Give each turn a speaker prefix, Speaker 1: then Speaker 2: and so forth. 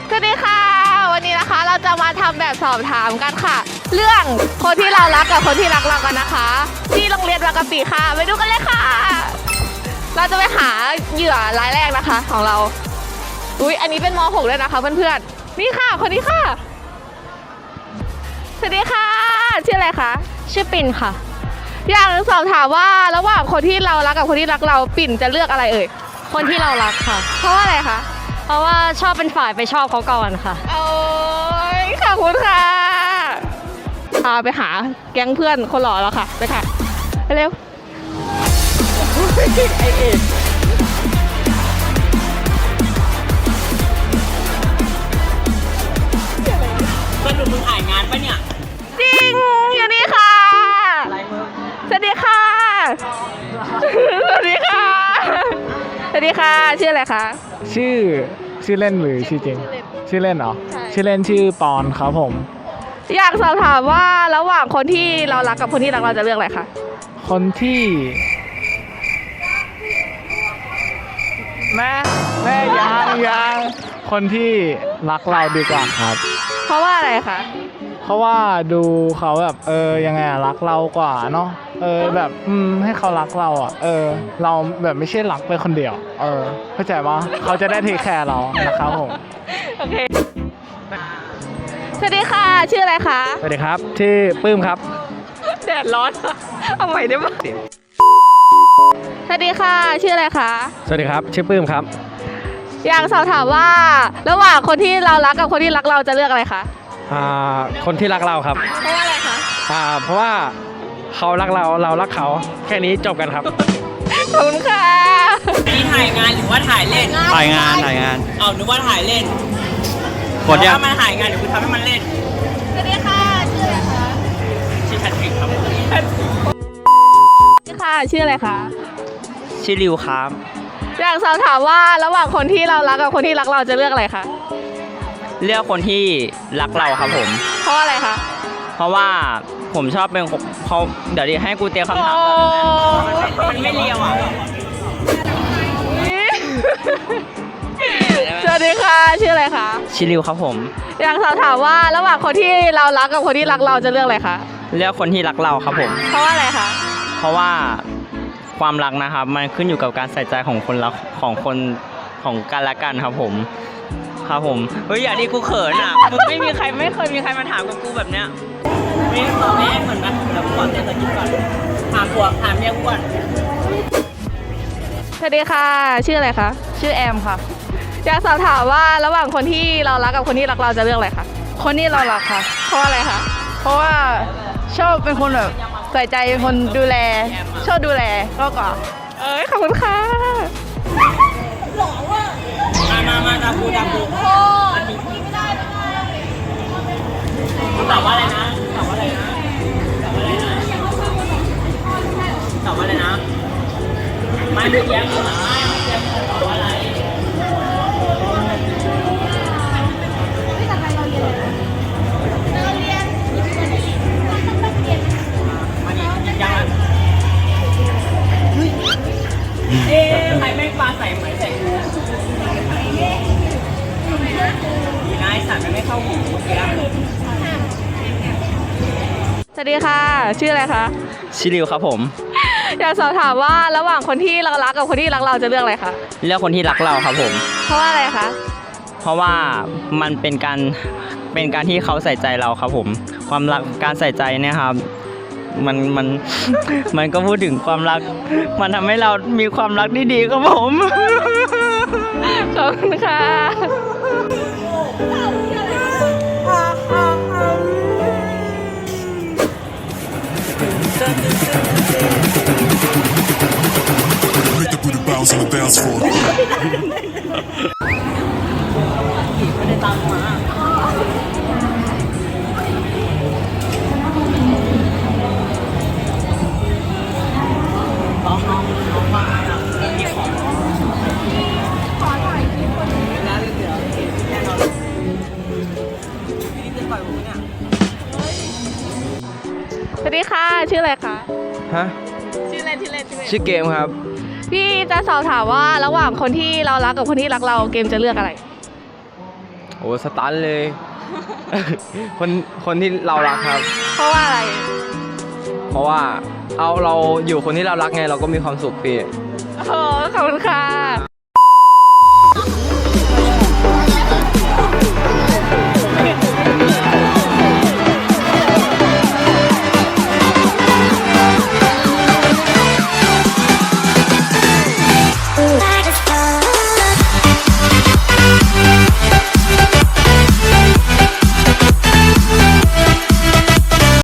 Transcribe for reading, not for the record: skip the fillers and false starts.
Speaker 1: สวัสดีค่ะวันนี้นะคะเราจะมาทำแบบสอบถามกันค่ะ เรื่องคนที่เรารักกับคนที่รักเรากันนะคะ ที่โรงเรียนบางกะปิค่ะไปดูกันเลยค่ะ เราจะไปหาเหยื่อรายแรกนะคะของเราอุ๊ยอันนี้เป็นม .6 เลยนะคะเพื่อนๆนี่ค่ะคนนี้ค่ะสวัสดีค่ะชื่ออะไรคะชื่อปิ่นค่ะอยากสอบถามว่าระหว่างคนที่เรารักกับคนที่รักเราปิ่นจะเลือกอะไรเอ่ยคนที่เรารักค่ะเพราะว่าอะไรคะเพราะว่าชอบเป็นฝ่ายไปชอบเขาก่อนค่ะโอ้ยขอบคุณค่ะพาไปหาแก๊งเพื่อนคนหล่อแล้วค่ะไปค่ะไปเร็วไอเอ็ด
Speaker 2: สรุปมึงถ่ายงานปะเนี่ย
Speaker 1: จริงอยู่นี่ค่ะสวัสดีค่ะสวัสดีค่ะสวัสดีค่ะชื่ออะไรคะ
Speaker 3: ชื่อเล่นหรือชื่อจริงชื่อเล่นเหรอชื่อเล่นชื่อปอนครับผม
Speaker 1: อยากสอบถามว่าระหว่างคนที่เรารักกับคนที่รักเราจะเลือกอะไรคะ
Speaker 3: คนที่แม่ยังคนที่รักเราดีกว่าครับ
Speaker 1: เพราะว่าอะไรคะ
Speaker 3: เพราะว่าดูเขาแบบยังไงรักเรากว่าเนาะแบบให้เขารักเราเราแบบไม่ใช่รักไปคนเดียวเข้าใจปะเขาจะได้เทคแคร์เรานะครับผม
Speaker 1: โอเคสวัสดีค่ะชื่ออะไรคะ
Speaker 3: สวัสดีครับชื่อปื้มครับ
Speaker 1: แดดร้อนเอาใหม่ได้ไหมสวัสดีค่ะชื่ออะไรคะ
Speaker 3: สวัสดีครับชื่อปื้มครับ
Speaker 1: อยากสอบถามว่าระหว่างคนที่เรารักกับคนที่รักเราจะเลือกอะไรคะ
Speaker 3: คนที่รักเราครับ
Speaker 1: เพราะว่าอะไรคะ
Speaker 3: เพราะว่าเขารักเราเรารักเขาแค่นี้จบกันครับ
Speaker 1: ขอบคุณค่ะ
Speaker 2: นี่ถ่ายงานหรือว่าถ่ายเล่น
Speaker 3: ถ่ายงาน
Speaker 2: เอานึกว่าถ่ายเล่นถ้ามันถ่ายงานเดี๋ยวคุณทำให้มันเล่น
Speaker 1: สวัสดีค่ะชื่ออะไรคะ
Speaker 2: ชื่อชันฟิกครับ
Speaker 1: สวัสดีค่ะชื่ออะไรคะ
Speaker 2: ชื่อริวครับ
Speaker 1: อยากสอบถามว่าระหว่างคนที่เรารักกับคนที่รักเราจะเลือกอะไรคะ
Speaker 2: เลือกคนที่รักเราครับผม
Speaker 1: เพราะอะไรคะ
Speaker 2: เพราะว่าผมชอบเป็นเขาเดี๋ยวดิให้กูเตรียมคำถามมันไม่เลียวอ่ะ
Speaker 1: สวัสดีค่ะชื่ออะไรคะ
Speaker 2: ชิริวครับผม
Speaker 1: อยากสอบถามว่าระหว่างคนที่เรารักกับคนที่รักเราจะเลือกอะไรคะ
Speaker 2: เลือกคนที่รักเราครับผม
Speaker 1: เพราะว่าอะไรคะ
Speaker 2: เพราะว่าความรักนะครับมันขึ้นอยู่กับการใส่ใจของคนรักของคนของกันและกันครับผมครับผมเฮ้ยอย่าดิกูเขินอ่ะมึงไม่เคยมีใครมาถามกับกูแบบเนี้ยไม่ตอบแม่เหมือนปะเดี๋ยวกูขอเต้นตะกี้ก่อนถามเมียกูก่อน
Speaker 1: สวัสดีค่ะชื่ออะไรคะ
Speaker 4: ชื่อแอมค่ะ
Speaker 1: อยากสอบถามว่าระหว่างคนที่เรารักกับคนที่รักเราจะเลือกอะไรคะ
Speaker 4: คนที่เรารักค่ะ
Speaker 1: เพราะอะไรคะ
Speaker 4: เพราะว่าชอบเป็นคนแบบใส่ใจเป็นคนดูแลชอบดูแลก็กว่า
Speaker 1: ขอบคุณค่ะ
Speaker 2: หล่อว่ะมาดาบูตอบว่าอะไรนะตอบว่าอะไรนะไม่เมื่อกี้ตอบว่าอะไรใครแม่งปลาใส่เหมือนใส่กูดีนะไอ้สัตว์ไม่เข้าหูเมื่อกี้
Speaker 1: สวัสดีค่ะชื่ออะไรคะ
Speaker 2: ชิริวครับผม
Speaker 1: อยากสอบถามว่าระหว่างคนที่เรารักกับคนที่รักเราจะเลือกอะไรคะ
Speaker 2: เลือกคนที่รักเราครับผม
Speaker 1: เพราะว่าอะไรคะ
Speaker 2: เพราะว่ามันเป็นการที่เขาใส่ใจเราครับผมความรักการใส่ใจเนี่ยครับมันก็พูดถึงความรักมันทำให้เรามีความรักที่ดีครับผม
Speaker 1: ขอบคุณค่ะ
Speaker 2: ไม่ได้ตามมา
Speaker 1: สวัสดีค่ะชื่ออะไรคะ
Speaker 3: ฮะ
Speaker 1: ชื่อเล่น
Speaker 3: ชื่อเกมครับ
Speaker 1: พี่จะสอบถามว่าระหว่างคนที่เรารักกับคนที่รักเราเกมจะเลือกอะไร
Speaker 5: โอ้สตันเลย คนที่เรารักครับ
Speaker 1: เพราะว่าอะไร
Speaker 5: เพราะว่าเราอยู่คนที่เรารักไงเราก็มีความสุขพี่
Speaker 1: โอ้ขอบคุณค่ะ